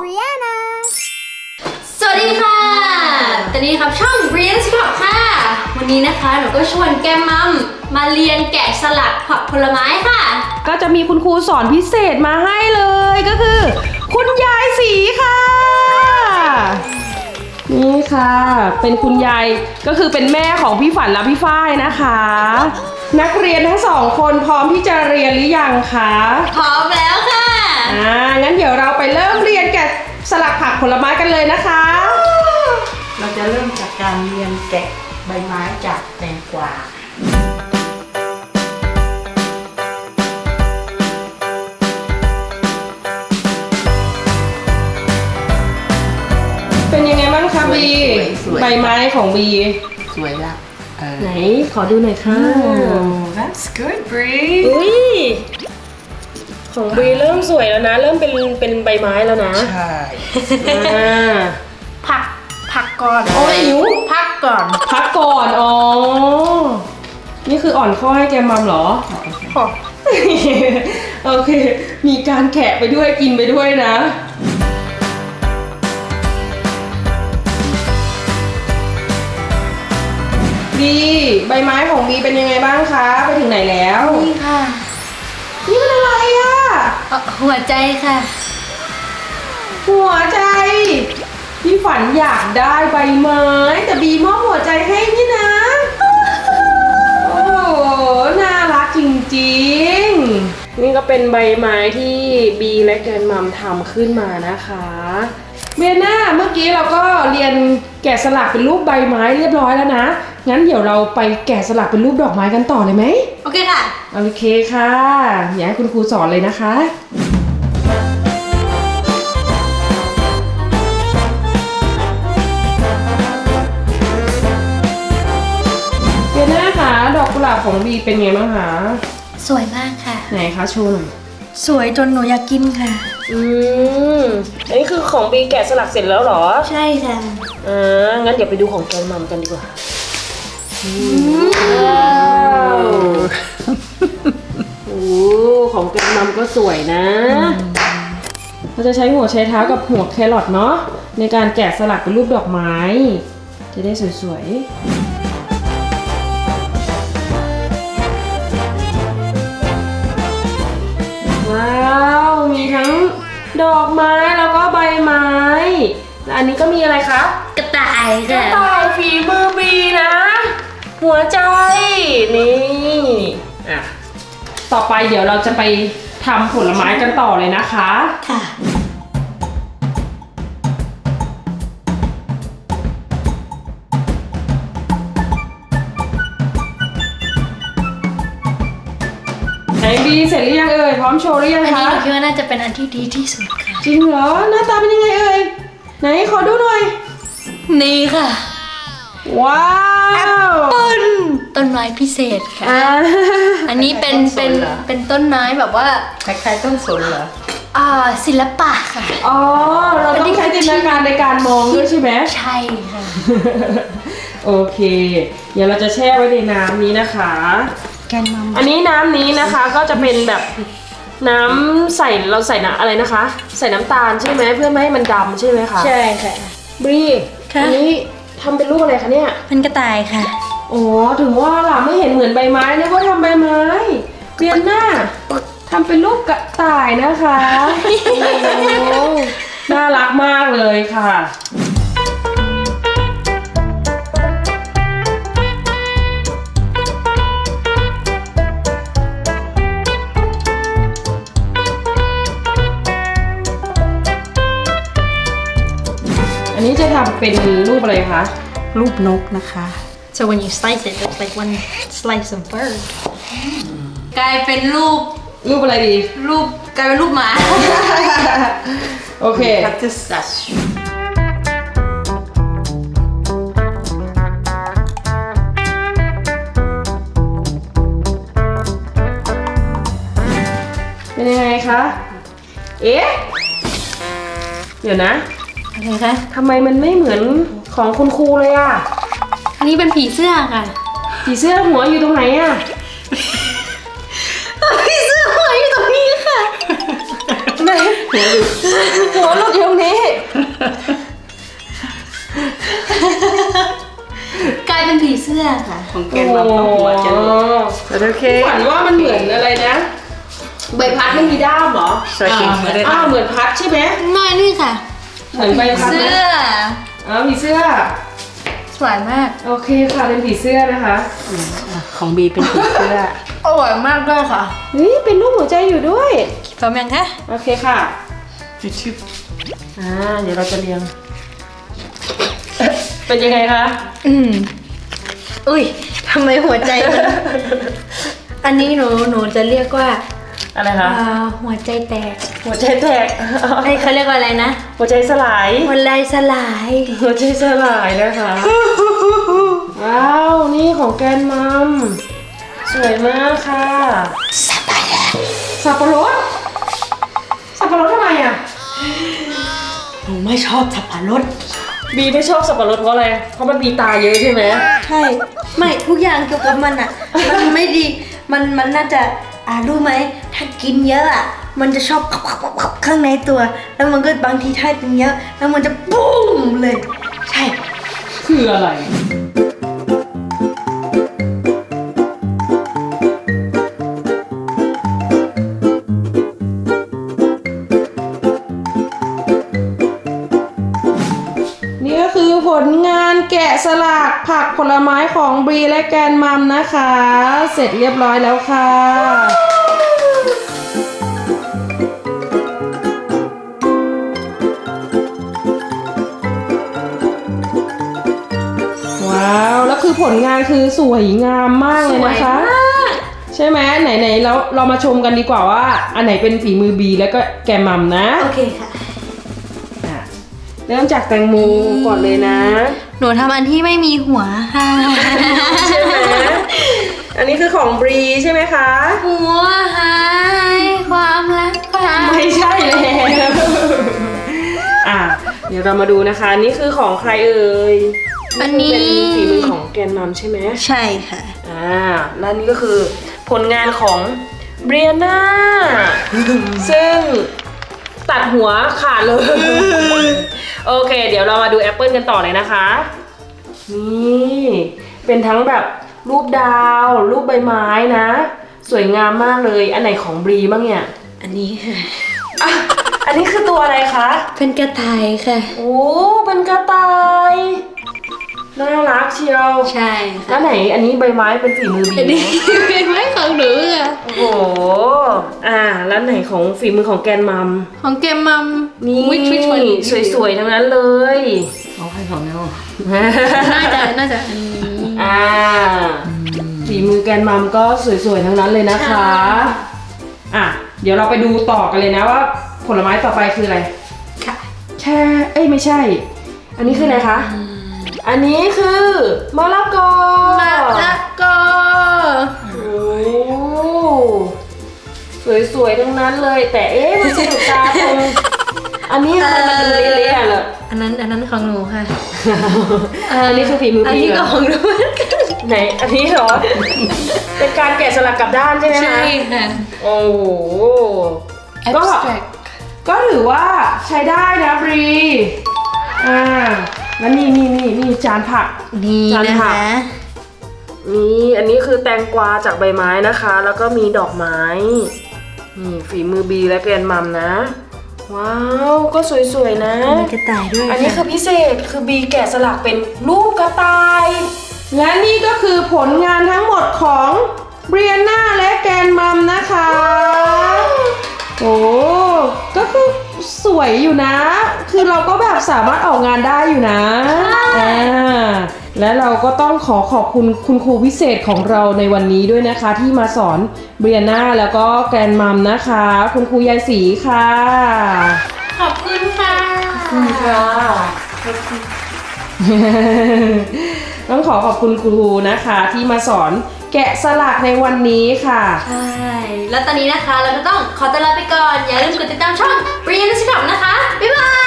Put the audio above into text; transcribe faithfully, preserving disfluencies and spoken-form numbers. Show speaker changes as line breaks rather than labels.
Brianna
สวัสดีค่ะตอนนี้ครับช่อง Brianna ผักค่ะวันนี้นะคะหนูก็ชวนแก้มมัมมาเรียนแกะสลักผักผลไม้ค่ะ
ก็จะมีคุณครูสอนพิเศษมาให้เลยก็คือคุณยายศรีค่ะนี่ค่ะเป็นคุณยายก็คือเป็นแม่ของพี่ฝันและพี่ฝ้ายนะคะนักเรียนทั้งสองคนพร้อมที่จะเรียนหรือยังคะ
พร้อมแล้วค่ะ
อ่างั้นเดี๋ยวเราไปเริ่มเรียนแกะสลักผักผลไม้กันเลยนะคะ
เราจะเริ่มจากการเรียนแกะใบไม้จากแตงกวา
เป็นยังไงบ้างคะบีใบไม้ของบี
สวยละ
ไหนขอดูหน่อยค่ะ
That's good Bree
อุ้ยของบีเริ่มสวยแล้วนะ เริ่มเป็นเป็นใบไม้แล้วนะ
ใช่
อ่า
ผักผักก่อน
โอ้ยหิว
พักก่อน
พักก่อนอ๋อนี่คืออ่อนข้อให้แกมัมเหรอโอเคมีการแกะไปด้วยกินไปด้วยนะบีใบไม้ของบีเป็นยังไงบ้างคะไปถึงไหนแล้ว
นี่ค่ะ
นี่มันอะไรอ่ะ
หัวใจค่ะ
หัวใจพี่ฝันอยากได้ใบไม้แต่บีมอบหัวใจให้นี่นะโอ้โหน่ารักจริงๆนี่ก็เป็นใบไม้ที่บีและแกรนมัมทำขึ้นมานะคะเบียน่าเมื่อกี้เราก็เรียนแกะสลักเป็นรูปใบไม้เรียบร้อยแล้วนะงั้นเดี๋ยวเราไปแกะสลักเป็นรูปดอกไม้กันต่อเลยไหม
โอเคค่ะ
โอเคค่ะอยากให้คุณครูสอนเลยนะคะเบียน่าคะดอกกุหลาบของบีเป็นไงบ้างคะ
สวยมากค่ะ
ไหนคะโชว์หน่อย
สวยจนหนูอยากกินค่ะ
อืมอันนี้คือของบีแกะสลักเสร็จแล้วเหรอ
ใช่ค่ะ
อ่างั้นเดี๋ยวไปดูของแกนมัมกันดีกว่าว้าวโอ้ของแกนมัมก็สวยนะเราจะใช้หัวใช้เท้ากับหัวแครอทเนาะในการแกะสลักเป็นรูปดอกไม้จะได้สวยๆว้าวมีทั้งดอกไม้แล้วก็ใบไม้และอันนี้ก็มีอะไรคะ
กระต่าย
กระ
ค่ะ
ต่ายฝีมือบีนะหัวใจนี่อ่ะต่อไปเดี๋ยวเราจะไปทำผลไม้กันต่อเลยนะคะ
ค่ะ
ไหนบีเสร็จหรือยังเอ่ยพร้อมโชว์หรือยัง
อัน
คะ
นี้หนูคิดว่าน่าจะเป็นอันที่ดีที่สุดค่ะ
จริงเหรอหน้าตาเป็นยังไงเอ่ยไหนขอดูหน่อย
นี่ค่ะ
ว้าว
ต้นต้นไม้พิเศษค่ะอันนี้เป็นเป็นเป็นต้นไม้แบบว่า
คล้ายๆต้นสนเหรอ
อ่าศิลปะค่ะ
อ๋อเราต้องใช้จินตนาการในการมองด้วยใช่ไหม
ใช่ค่ะ
โอเคเดี๋ยวเราจะแช่ไว้ในน้ำนี้นะคะ
แกนมัม
อันนี้น้ำนี้นะคะก็จะเป็นแบบน้ำใส่เราใส่น้ำอะไรนะคะใส่น้ำตาลใช่ไหมเพื่อไม่ให้มันดำใช่ไหมคะ
ใช่ค่ะ
บรีอันนี้ทำเป็นรูปอะไรคะเนี่ย
เป็นกระต่ายค่ะ
อ๋อถึงว่าล่ะไม่เห็นเหมือนใบไม้นึกว่าทำใบไม้เบียนหน้าทำเป็นรูปกระต่ายนะคะโอ้น่ารักมากเลยค่ะอันนี้จะทำเป็นรูปอะไรคะ
รูปนกนะคะ
So when you slice it it's like one slice of bird กลายเป็นรูป
รูปอะไรดี
รูปกลายเป็นรูปหมา
โอเคเป็นยังไงคะเอ๊ะเดี๋ยวนะ
อะไรคะ
ทำไมมันไม่เหมือนของคุณครูเลยอ่ะ
อันนี้เป็นผีเสื้อค่ะ
ผีเสื้อหัวอยู่ตรงไหนอ่ะ
ผีเสื้อหัวอยู่ตรงนี้ค่ะ
ไหนหัวหลุดหัวหลุดอยู่ตรงนี้
อค่ะ
ของแกนมัมก็หัวจะหลุด
แต่โอเคฝันว่ามันเหมือนอะไรนะ ใบพัดไม่มีด้ามเหรอ
สวยจริงไม่ได้
อ้าวเหมือนพัดใช่ไหม
น้อยนี่ค่ะ
เหมือนใบพัด
เสื้
นะ
อ
อ้าวมีเสื้อ
สวยมาก
โอเคค่ะเป็นผีเสื้อนะคะ
อ่ะของบีเป็นผีเสื้อ
อร่อยมากด้วยค่ะ
เฮ้ยเป็นรูปหัวใจอยู่ด้วย
พร้อมยังคะ
โอเคค่ะ
ชิบ
อ่าเดี๋ยวเราจะเรียง เป็นยังไงคะ
อืมอุ้ยทำไมหัวใจมัน อันนี้หนูหนูจะเรียกว่า
อะไรคะ
อ่าหัวใจแตก
หัวใจแตก
ไอ้ยเขาเรียกว่าอะไรนะ
หัวใจสลาย
หัวใจสลาย
หัวใจสลายนะคะ ว้าว นี่ของแกนมัม สวยมากค่ะ สับปะรด สับปะรด สับปะรดทำไมอ่ะ
หนูไม่ชอบสับปะรด
บีไม่ชอบสับปะรดเพราะอะไร เพราะมันมีตาเยอะใช่ไหม
ใช่ ไม่ทุกอย่างเกี่ยวกับมันอ่ะ มันไม่ดี มันมันน่าจะ อ่ารู้ไหม ถ้ากินเยอะอ่ะ มันจะชอบข้างในตัว แล้วมันก็บางทีถ้ากินเยอะ แล้วมันจะปุ้มเลย ใช่
คืออะไร นี่ก็คือผลงานแกะสลักผักผลไม้ของบรีและแกนมัมนะคะ เสร็จเรียบร้อยแล้วค่ะ ว้าว แล้วคือผลงานคือสวยงามมากเลยนะคะ ใช่ไหมไหนๆแล้วเรามาชมกันดีกว่าว่า อันไหนเป็นฝีมือบีแล้วก็แกนมัมนะ
โอเคค่ะ
อ่ะเริ่มจากแตงโมก่อนเลยนะ
หนูทำอันที่ไม่มีหัวค่ะ
ใช่ไหม อันนี้คือของบรีใช่ไหมคะ
หัวหายความรักความ
ไม่ใช่แล้วอ่ะ เดี๋ยวเรามาดูนะคะ อันนี้คือของใครเอ่ย
อันนี้
เป็นฝีมือของแกนมัมใช่ไหม
ใช่ค่ะ
อ่า แล้วนี่ก็คือผลงานของเบรียนาซึ่งตัดหัวขาดเลย โอเค เดี๋ยวเรามาดูแอปเปิลกันต่อเลยนะคะ นี่ เป็นทั้งแบบรูปดาว รูปใบไม้นะ สวยงามมากเลย อันไหนของบรีบ้างเนี่ย
อันนี้ค่ะ
อ่ะอันนี้คือตัวอะไรคะ
เป็นกระต่ายค่ะ
โอ้ เป็นกระต่าย น่ารักเชียว
ใช่
แล้
ค่ะ
วไหนอันนี้ใบไม้เป็นฝีมือบี
อันนี้
นะ
เป็นไม้ของหนูค่ะ
โอ้โห อ่า แล้วไหนของฝีมือของแกนมัม
ของเกมมัม
นี่
วิชวิชวัน
สวยๆ ทั้งนั้นเลย
ของใครของเนา
น่าจะน่าจะอันนี้
อ่า ฝีมือแกนมัมก็สวยๆ ทั้งนั้นเลยนะคะ อ่ะ เดี๋ยวเราไปดูต่อกันเลยนะว่า ผลไม้ต่อไปคืออะไร
ค่ะ
แช่ เอ้ยไม่ใช่ อันนี้คืออะไรคะ อันนี้คือมะละกอ
มะละกอ
โอ้สวยๆ ทั้งนั้นเลย แต่เอ๊ะมันสะดุดตาตรงอันนี้ทำไมมันดูเละๆอะเหรอ
อันนั้นอันนั้นของหนูค่ะ
อันนี้คือฝีมือ
อัน
พี่
นี้
เหร
ก็
อ
ของหนูเหมือนกัน
ไหน อันนี้เหรอ เป็นการแกะสลักกลับด้านใช่ไหมคะ
ใช่ค่ะ
โอ้โห ก็
abstract
ก็ถือว่าใช้ได้นะบรี อ่า แล้วนี่นี่นี่นี่จานผัก
นี่
จาน
นะ
ผัก
คะ
นี่อันนี้คือแตงกวาจากใบไม้นะคะ แล้วก็มีดอกไม้ นี่ฝีมือบีและแกรนมัมนะ ว้าว ก็สวยๆนะ
มีกระต่ายด้วย
อันนี้คือพิเศษคือบีแกะสลักเป็นรูปกระต่าย และนี่ก็คือผลงานทั้งหมดของเบรียนาและแกรนมัมนะคะ โอ้ก็คือสวยอยู่นะ คือเราก็แบบสามารถออกงานได้อยู่นะอ่าและเราก็ต้องขอขอบคุณคุณครูพิเศษของเราในวันนี้ด้วยนะคะ ที่มาสอนเบรียนาแล้วก็แกรนมัมนะคะ คุณครูยายศรีค่ะ
ขอบคุณค่ะ
ค่ะ ต้องขอขอบคุณครูนะคะที่มาสอนแกะสลักในวันนี้ค่ะ
ใช่ แล้วตอนนี้นะคะเราก็ต้องขอตัวลาไปก่อน อย่าลืมกดติดตามช่อง Brian นะคะ บ๊ายบาย